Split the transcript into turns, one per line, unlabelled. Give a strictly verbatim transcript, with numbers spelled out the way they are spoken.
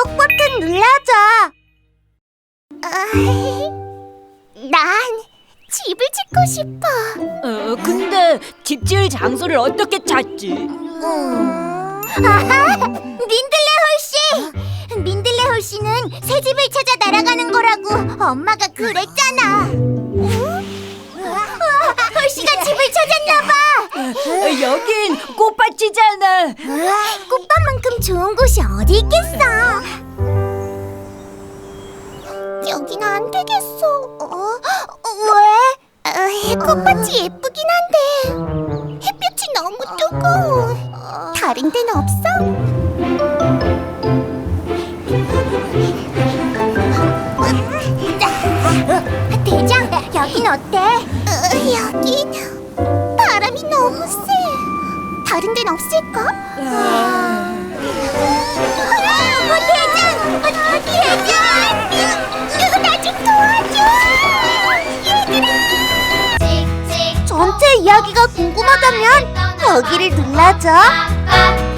구독 버튼 눌러줘. 난 집을 짓고 싶어.
어, 근데 집 지을 장소를 어떻게 찾지?
음... 아하! 민들레 홀씨! 민들레 홀씨는 새 집을 찾아 날아가는 거라고 엄마가 그랬잖아. 홀씨가 집을 찾았나봐.
어, 여긴 꽃밭이잖아.
꽃밭만큼 좋은 곳이 어디 있겠어. 여긴 안 되겠어. 어? 왜? 어, 꽃밭이 예쁘긴 한데 햇볕이 너무 뜨거워. 다른 데는 없어? 대장, 여긴 어때? 어, 여긴 바람이 너무 세. 다른 데는 없을까? 어, 대장! 어, 대장! 나 좀 도와줘! 얘들아! 전체 이야기가 궁금하다면 여기를 눌러줘.